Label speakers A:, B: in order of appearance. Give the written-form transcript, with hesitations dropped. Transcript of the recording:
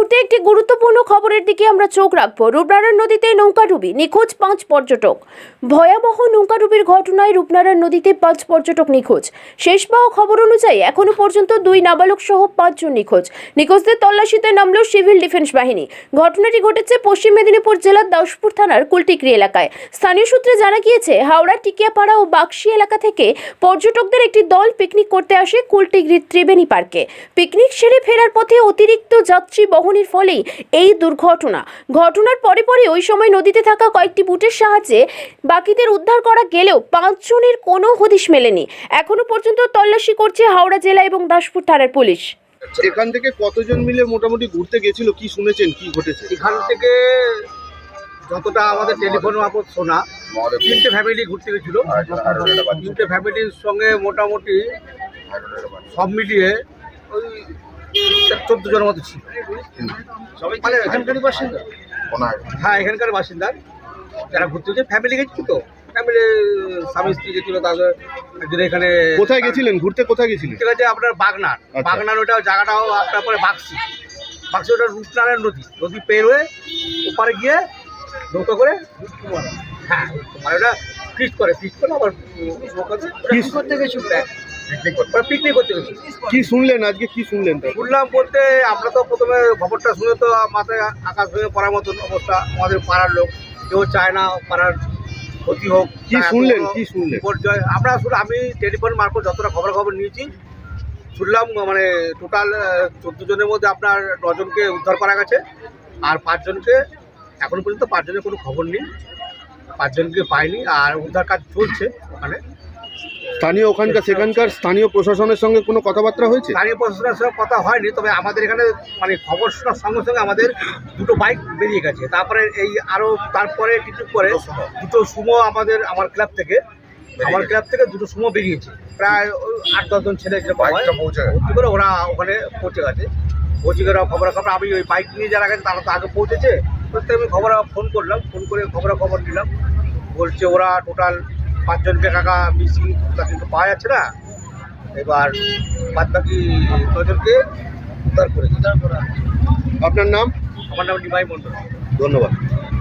A: মুহূর্তে একটি গুরুত্বপূর্ণ খবরের দিকে আমরা চোখ রাখবো। রূপনারায়ণ নদীতে নৌকাডুবি, নিখোঁজ 5 পর্যটক। ভয়াবহ নৌকাডুবির ঘটনায় রূপনারায়ণ নদীতে 5 পর্যটক নিখোঁজ। শেষ পাওয়া খবর অনুযায়ী এখনো পর্যন্ত 2 নাবালক সহ 5 জন নিখোঁজ। নিখোঁজদের তল্লাশিতে নামল সিভিল ডিফেন্স বাহিনী। ঘটনাটি ঘটেছে পশ্চিম মেদিনীপুর জেলার দাউসপুর থানার কুলটিকরি এলাকায়। স্থানীয় সূত্রে জানা গিয়েছে, হাওড়া টিকিয়াপাড়া ও বাক্সি এলাকা থেকে পর্যটকদের একটি দল পিকনিক করতে আসে কুলটিকরির ত্রিবেণী পার্কে। পিকনিক সেরে ফেরার পথে অতিরিক্ত যাত্রী বহনের ফলেই এই দুর্ঘটনা। ঘটনার পরে ওই সময় নদীতে থাকা কয়েকটি বুটের সাহায্যে বাকিদের উদ্ধার করা গেলেও 5 জনের কোনো হদিশ মেলেনি। এখনো পর্যন্ত তল্লাশি করছে হাওড়া জেলা এবং দাসপুর থানার পুলিশ।
B: এখান থেকে কতজন মিলে মোটামুটি ঘুরতে গেছিল, কি শুনেছেন, কি ঘটেছে?
C: এখান থেকে যতটা আমাদের টেলিফোন মারফত শোনা, 3টে ফ্যামিলি ঘুরতে গেছিল। 3টে ফ্যামিলির সঙ্গে মোটামুটি সব মিলিয়ে ওই 14 জনের মতো ছিল। মানে এখানকারই বাসিন্দা। হ্যাঁ, এখানকার বাসিন্দা যারা ঘুরতে গেছে। ফ্যামিলি গেছিল তো, ফ্যামিলি স্বামী স্ত্রী গেছিল। তাদের একজন এখানে
B: কোথায় গেছিলেন ঘুরতে, কোথায় গেছিলেন?
C: ঠিক আছে, আপনার বাগনার ওটা জায়গাটাও আপনার পরে বাক্সি ওটা রূপনারায়ণ নদী পের হয়ে ওপারে গিয়ে নৌকা করে, হ্যাঁ মানে ওটা ফিস্ট করে আবার করতে গেছিল, পিকনিক করতে গেছিল।
B: কি শুনলেন আজকে, কি শুনলেন?
C: শুনলাম বলতে, আমরা তো প্রথমে খবরটা শুনে তো মাথায় আকাশ ভেঙে পড়ার মতন অবস্থা। আমাদের পাড়ার লোক কেউ চায় না পাড়ার ক্ষতি হোক।
B: কি শুনলেন, কি শুনলেন?
C: বিপর্যয় আমরা আমি টেলিফোন মারফত যতটা খবর নিয়েছি শুনলাম, মানে টোটাল 14 জনের মধ্যে আপনার 9 জনকে উদ্ধার করা গেছে। আর 5 জনকে এখন পর্যন্ত 5 জনের কোনো খবর নেই, 5 জনকে পাইনি। আর উদ্ধার কাজ চলছে ওখানে।
B: স্থানীয় সেখানকার স্থানীয় প্রশাসনের সঙ্গে কোনো কথাবার্তা হয়েছে?
C: স্থানীয় প্রশাসনের সঙ্গে কথা হয়নি, তবে আমাদের এখানে মানে খবর শোনার সঙ্গে সঙ্গে আমাদের 2টো বাইক বেরিয়ে গেছে। তারপরে তারপরে কিছু পরে 2টো সুমো আমার ক্লাব থেকে 2টো সুমো বেরিয়েছে। প্রায় 8-10 জন ছেলে ভর্তি করে ওরা ওখানে পৌঁছে গেছে। খবর আমি ওই বাইক নিয়ে যারা গেছে তারা তো আগে পৌঁছেছে। প্রত্যেক আমি ফোন করে খবর নিলাম। বলছে ওরা টোটাল 5 জনকে কাকা মিসিং কিন্তু পাওয়া যাচ্ছে না। এবার বাদ বাকি 9 জনকে উদ্ধার করেছে।
B: আপনার নাম?
C: আমার নাম নিমাই মণ্ডল।
B: ধন্যবাদ।